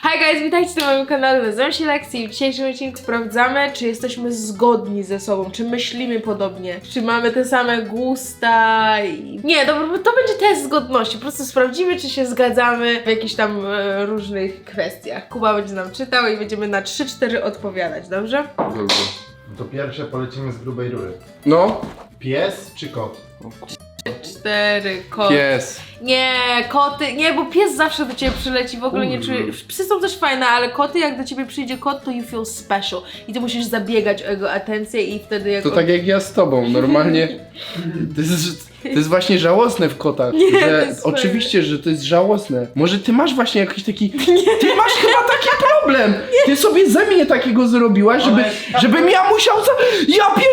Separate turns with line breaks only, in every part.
Hi guys, witajcie na moim kanale, nazywam się Lexi i w dzisiejszym odcinku sprawdzamy, czy jesteśmy zgodni ze sobą, czy myślimy podobnie, czy mamy te same gusta i... Nie, to będzie test zgodności, po prostu sprawdzimy, czy się zgadzamy w jakichś tam różnych kwestiach. Kuba będzie nam czytał i będziemy na 3-4 odpowiadać, dobrze?
Dobrze.
No to pierwsze polecimy z grubej rury.
No.
Pies czy kot?
4, kot.
Pies.
Nie, koty, nie, bo pies zawsze do ciebie przyleci, w ogóle nie czujesz. Psy są też fajne, ale koty, jak do ciebie przyjdzie kot, to you feel special. I ty musisz zabiegać o jego atencję i wtedy jak
To
on...
tak jak ja z tobą, normalnie. To jest właśnie żałosne w kotach.
Nie, to
że
jest fajne.
oczywiście, że to jest żałosne. Może ty masz właśnie jakiś taki. Ty masz chyba taki problem! Ty sobie ze mnie takiego zrobiłaś, żebym ja musiał Ja pier...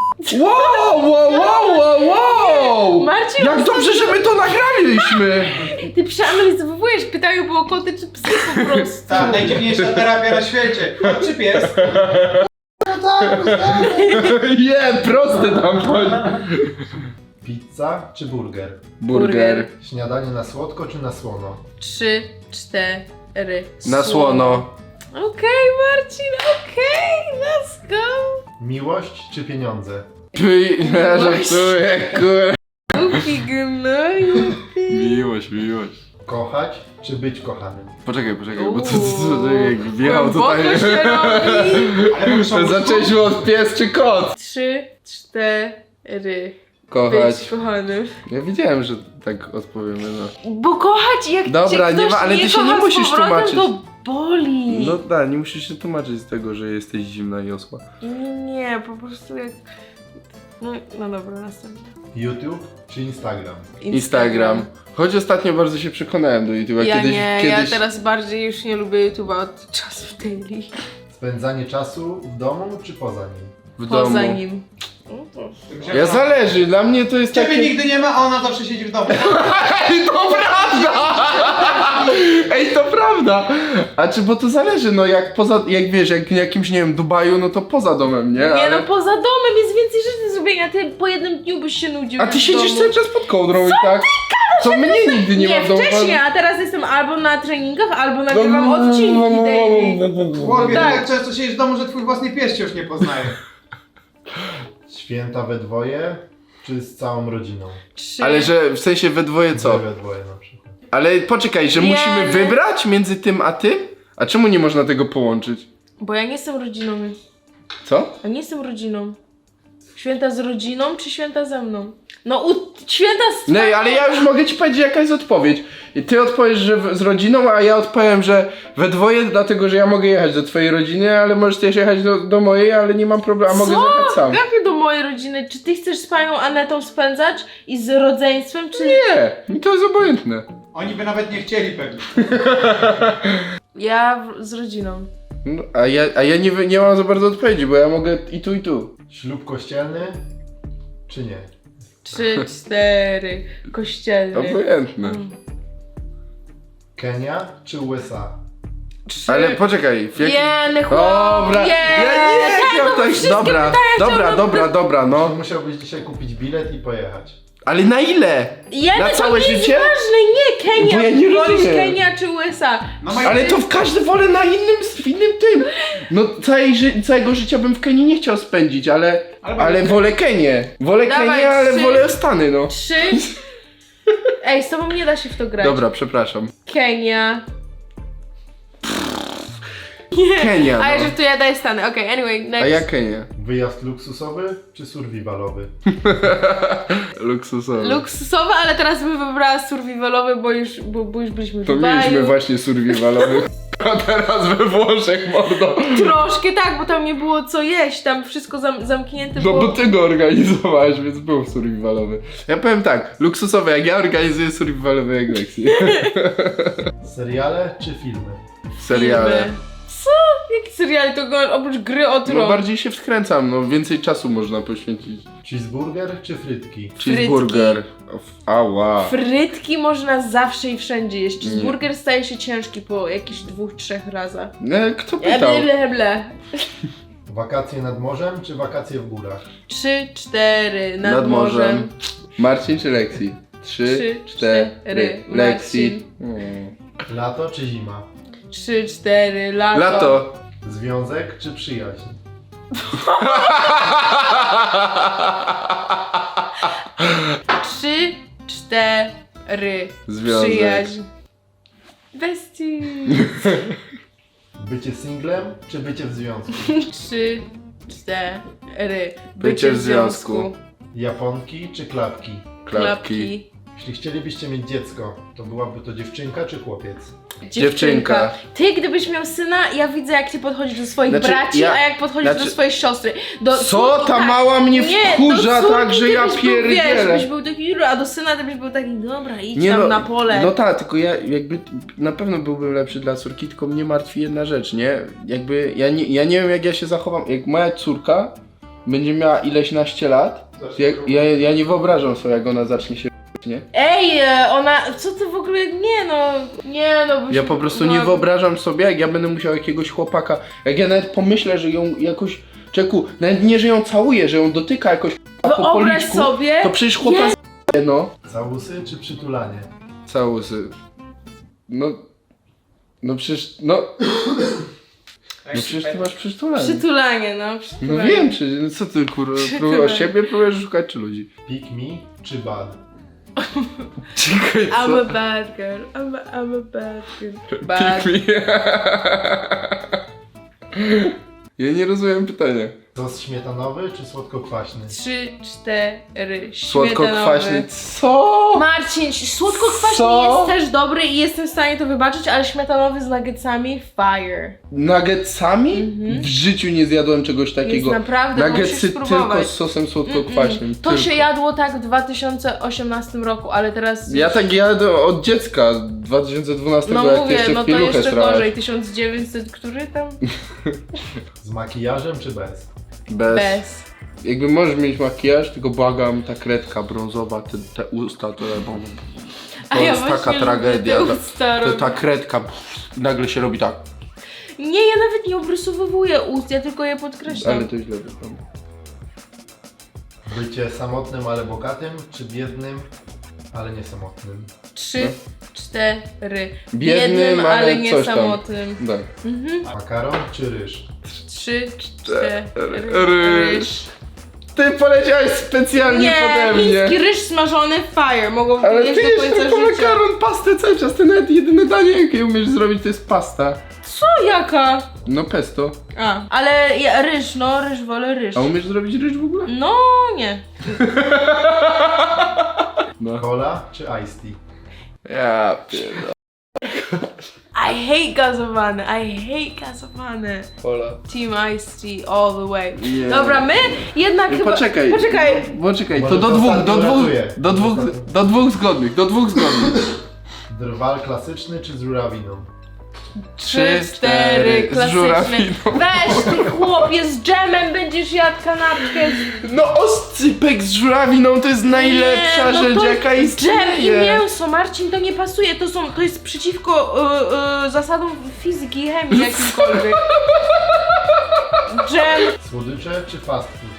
Wow!
Marcin,
Jak dobrze, że my to nagraliśmy!
ty przeanalizowujesz, pytają było koty czy psy po prostu.
Tak, najdziwniejsza terapia na świecie. Kot czy pies?
Nie, prosty tam chodzi.
Pizza czy burger?
Burger.
Śniadanie na słodko czy na słono?
3, 4.
Na słono.
Okej, Marcin, okej, let's go.
Miłość czy pieniądze?
Ja żartuję, kur...
Głupi gnoju, ty.
Miłość.
Kochać czy być kochanym?
Poczekaj, bo to jak wjechał
Głęboko
tutaj.
się robi.
Ale muszą
Zaczęliśmy od pies czy kot?
3, 4.
Kochać.
Być kochanym.
Ja wiedziałem, że tak odpowiemy, no.
Bo kochać, jak
Dobra,
cię
nie
ktoś
ma, ale ty się
kocha
nie
z
musisz
powrotem,
tłumaczyć.
to boli.
No tak, nie musisz się tłumaczyć z tego, że jesteś zimna i osła.
Nie, po prostu jak... No dobra, następnie.
YouTube czy Instagram?
Instagram. Choć ostatnio bardzo się przekonałem do YouTube'a.
Ja
kiedyś,
nie,
kiedyś...
ja teraz bardziej już nie lubię YouTube'a od czasów daily.
Spędzanie czasu w domu czy poza nim?
w domu.
Poza nim.
Ja zależy, dla mnie to jest
Ciebie
takie...
nigdy nie ma, a ona zawsze siedzi w domu.
Ej, to prawda! Ej, to prawda! A czy, bo to zależy, no jak wiesz, jak w jakimś, nie wiem, Dubaju, no to poza domem, nie?
Nie
Ale...
no, poza domem jest więcej rzeczy do zrobienia, ty po jednym dniu byś się nudził.
A ty
w
siedzisz
domu.
cały czas pod kołdrą i tak? To mnie nigdy nie ma w domu.
wcześniej, a teraz jestem albo na treningach, albo nagrywam odcinki daily.
Chłopie,
tak.
ty tak często siedzisz w domu, że twój własny pies cię już nie poznaje.
Święta we dwoje czy z całą rodziną?
3.
Ale że w sensie we dwoje co?
We dwoje na przykład.
Ale poczekaj, że musimy
Nie.
wybrać między tym a tym? A czemu nie można tego połączyć?
Bo ja nie jestem rodziną.
Co?
Ja nie jestem rodziną. Święta z rodziną czy święta ze mną? No święta z...
No ale ja już mogę ci powiedzieć jaka jest odpowiedź. I ty odpowiesz, że z rodziną, a ja odpowiem, że we dwoje, dlatego że ja mogę jechać do twojej rodziny, ale możesz też jechać do mojej, ale nie mam problemu, a mogę jechać sam.
Jak do mojej rodziny? Czy ty chcesz z panią Anetą spędzać i z rodzeństwem, czy...
Nie, mi to jest obojętne.
Oni by nawet nie chcieli pewnie.
Ja z rodziną.
No, a ja nie mam za bardzo odpowiedzi, bo ja mogę i tu, i tu.
Ślub kościelny czy nie?
3, 4. Kościelny.
Obojętne.
Kenia czy USA?
3.
Ale poczekaj, w jakim...
Jeny chłop,
Dobra, ja nie chciałem tak, dobra, no.
To musiałbyś dzisiaj kupić bilet i pojechać.
Ale na ile? Na całe
to nie
życie?
jest ważne, nie Kenia.
Bo ja nie
Wolisz
rozumiem.
Kenia czy USA?
No
Ale to w każdy wolę na w innym tym. No całego życia bym w Kenii nie chciał spędzić, ale wolę Kenię. Wolę
Dawaj,
Kenię, ale
3.
wolę Stany, no.
3. Ej, z tobą nie da się w to grać.
Dobra, przepraszam.
Kenia.
Kenia,
A ja
no.
że tu ja daję Stany. Okej, anyway, next.
A ja Kenię.
Wyjazd luksusowy czy survivalowy?
Luksusowy.
Luksusowe, ale teraz bym wybrała survivalowy, bo już byliśmy w
To
Dubaju.
mieliśmy właśnie survivalowy. A teraz we Włoszech, mordo.
Troszkę tak, bo tam nie było co jeść, tam wszystko zamknięte
No
było.
bo ty go organizowałeś, więc był survivalowy. Ja powiem tak, luksusowy jak ja organizuję, survivalowy jak Lexi.
Seriale czy filmy?
Seriale.
Filmy. Co? Jaki serial to go oprócz gry o
No
tron?
bardziej się wkręcam, no więcej czasu można poświęcić.
Cheeseburger czy frytki?
Cheeseburger. Ała.
Frytki można zawsze i wszędzie jeść. Cheeseburger staje się ciężki po jakichś 2-3 razach.
Kto pytał?
Ble.
Wakacje nad morzem czy wakacje w górach?
3, 4 nad morzem.
Marcin czy Lexi? 3, 4. Lexi.
Marcin.
Lato czy zima?
3, 4, lato.
Lato.
Związek czy przyjaźń?
3, 4,
Związek.
przyjaźń. Bestie.
Bycie singlem czy bycie w związku?
3, 4,
Bycie w związku.
Japonki czy klapki?
Klapki.
Jeśli chcielibyście mieć dziecko, to byłaby to dziewczynka czy chłopiec?
Dziewczynka.
Ty, gdybyś miał syna, ja widzę, jak ty podchodzisz do swoich
Znaczy,
braci,
ja-
a jak podchodzisz do
znaczy-
swojej siostry. Do
Co?
córki,
Ta
tak.
mała mnie
Nie,
wkurza
do córki
tak, że
ty
ja
byś był, wiesz,
pierdzielę.
byś był taki, a do syna ty byś był taki, dobra, idź tam na pole.
No tak, tylko ja jakby na pewno byłbym lepszy dla córki, tylko mnie martwi jedna rzecz, nie? Jakby ja nie wiem, jak ja się zachowam. Jak moja córka będzie miała ileś naście lat, to ja nie wyobrażam sobie, jak ona zacznie się nie?
Ej, ona, co ty w ogóle, nie no. Byś,
Ja po prostu
no,
nie wyobrażam sobie, jak ja będę musiał jakiegoś chłopaka, jak ja nawet pomyślę, że ją jakoś, czeku, nawet nie, że ją całuję, że ją dotyka jakoś po
Wyobraź
policzku,
sobie,
to przecież chłopak no.
Całusy czy przytulanie?
Całusy. No przecież, no przecież ty masz przytulanie.
przytulanie, no,
No
przytulanie.
wiem, przecież, no co ty kurwa, próbujesz siebie, próbujesz szukać czy ludzi?
Pick me czy bad?
Czekaj,
I'm a bad girl, I'm a bad girl. Bad.
Pick me. Ja nie rozumiem pytania.
Sos śmietanowy czy słodko-kwaśny?
3, 4,
Słodko-kwaśny, co?
Marcin, słodko-kwaśny
Co?
jest też dobry i jestem w stanie to wybaczyć, ale śmietanowy z nuggetsami, fire.
Nuggetsami? W życiu nie zjadłem czegoś takiego.
Jest naprawdę,
Nuggetsy
musisz spróbować.
tylko z sosem słodko-kwaśnym.
To
tylko.
się jadło tak w 2018 roku, ale teraz...
Ja tak jadłem od dziecka, 2012,
No
jak ty
mówię,
jeszcze
no
w
to
pieluchę
jeszcze
srałeś.
gorzej, 1900, który tam?
Z makijażem czy bez?
Bez.
Jakby możesz mieć makijaż, tylko błagam, ta kredka brązowa, te usta, to
A
to
ja
jest
właśnie
taka
lubię
tragedia.
te usta
To
robić.
ta kredka nagle się robi tak.
Nie, ja nawet nie obrysowuję ust, ja tylko je podkreślam.
Ale to źle wygląda.
Bycie samotnym, ale bogatym, czy biednym, ale nie samotnym?
3, 4.
Biednym, ale
nie
coś tam.
samotnym.
Tak.
Makaron czy ryż?
3, 4.
Ryż. Ty poleciałeś specjalnie
Nie,
pode mnie.
chiński ryż smażony fire. Mogą
Ale
jeść
ty
do
jesz
końca
tylko
życia.
makaron, pastę cały czas. Ty nawet jedyne danie, jakie umiesz zrobić, to jest pasta.
Co, jaka?
No pesto.
Ale ryż, no ryż, wolę ryż.
A umiesz zrobić ryż w ogóle?
No, nie.
No.
Cola czy iced tea?
Ja pierdolę.
I hate gazowane.
Hola.
Team Ice Tea all the way.
Nie.
Dobra, my jednak chyba...
Poczekaj. Poczekaj, to
Może
do
to
dwóch,
ostatnio ratuje.
do dwóch zgodnych, do dwóch zgodnych.
Drwal klasyczny czy z żurawiną?
3, 4,
z
klasyczny.
żurawiną.
Weź ty chłopie, z dżemem będziesz jadł kanapkę.
No oscypek z żurawiną to jest najlepsza
Nie, no
rzecz,
to
jaka
jest dżem i
istnieje.
mięso, Marcin, to nie pasuje, to jest przeciwko zasadom fizyki i chemii jakimkolwiek. Dżem.
Słodycze czy fast food?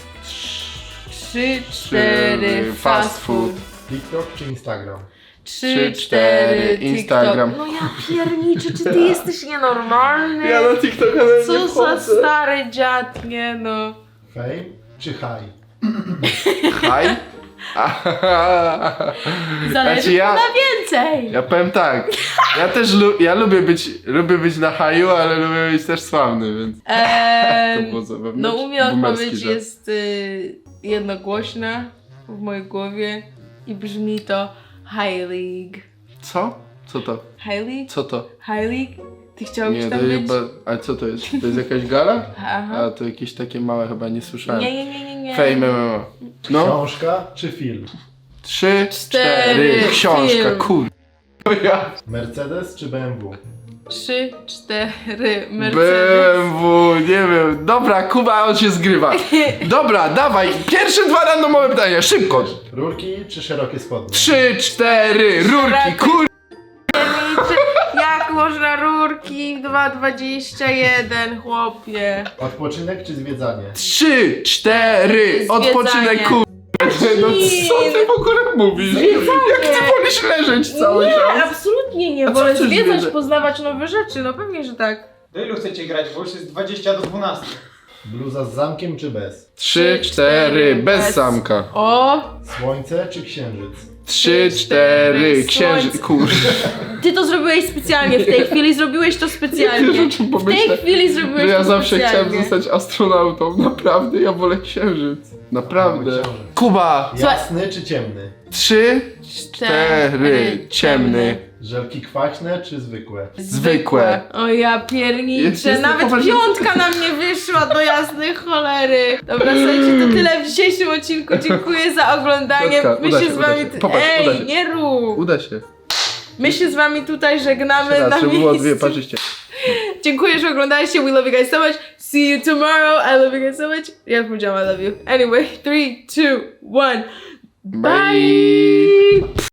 3, 4, fast food.
TikTok czy Instagram?
3, 4,
Instagram.
TikTok. No ja pierniczę, czy ty jesteś nienormalny?
Ja na TikToka nawet nie
Co za
wchodzę.
stary dziad, nie no.
Fame czy high?
Haj?
Zależy
Znaczy ja-
na więcej.
Ja powiem tak, ja też lubię być na haju, ale lubię być też sławny, więc to było zabawne.
No u mnie
Boomerski
odpowiedź
żart.
jest jednogłośna w mojej głowie i brzmi to High League.
Co? Co to?
High League?
Co to?
High League? Ty chciałbyś
Nie, to
tam być?
chyba... A co to jest? To jest jakaś gala?
Aha.
A to jakieś takie małe chyba nie słyszałem.
Nie.
Fame MMA. No.
Książka czy film?
3, 4,
4,
książka,
film.
kur... Ja.
Mercedes czy BMW?
3, 4, Mercedes.
BMW, nie wiem. Dobra, Kuba, on się zgrywa. Dobra, dawaj. Pierwsze dwa randomowe pytania, szybko.
Rurki czy szerokie spodnie?
3, 4, rurki, kur...
Jak można rurki 2,21, chłopie.
Odpoczynek czy zwiedzanie?
3, 4,
Zwiedzanie.
odpoczynek, kur... No co ty w ogóle mówisz? Jak ty wolisz leżeć cały
Nie,
czas?
absolutnie nie.
A co
Wolę
chcesz
zwiedzać,
wiedzieć?
poznawać nowe rzeczy. No pewnie, że tak.
Do ilu chcecie grać? Bo już jest 20 do 12.
Bluza z zamkiem czy bez?
3, 4, bez zamka.
O,
Słońce czy księżyc?
3, 4, księżyc,
Słońce.
kurde.
ty to zrobiłeś specjalnie. W tej chwili zrobiłeś to specjalnie.
Wiesz, o czym
W tej
pomyślę?
chwili zrobiłeś
Że ja
to
zawsze
specjalnie.
chciałem zostać astronautą. Naprawdę, ja wolę księżyc. Naprawdę.
Mały księżyc.
Kuba!
Jasny czy ciemny?
3, 4, ciemny.
Żelki kwaśne czy zwykłe?
Zwykłe.
O ja pierniczę,
Jest
nawet
poważnie-
piątka na mnie wyszła do jasnej cholery. Dobra, słuchajcie, to tyle w dzisiejszym odcinku. Dziękuję za oglądanie.
Piotrka,
My
uda
się
się,
z
uda
wami...
się. Popatrz, uda
Ej,
się.
nie rób!
Uda się.
My się z wami tutaj żegnamy
Jeszcze
na
raz, żeby było
miejscu.
dwie parzyście.
Dziękuję, że oglądaliście. We love you guys so much. See you tomorrow. I love you guys so much. Ja powiedziałam I love you. Anyway, 3, 2, 1. Bye!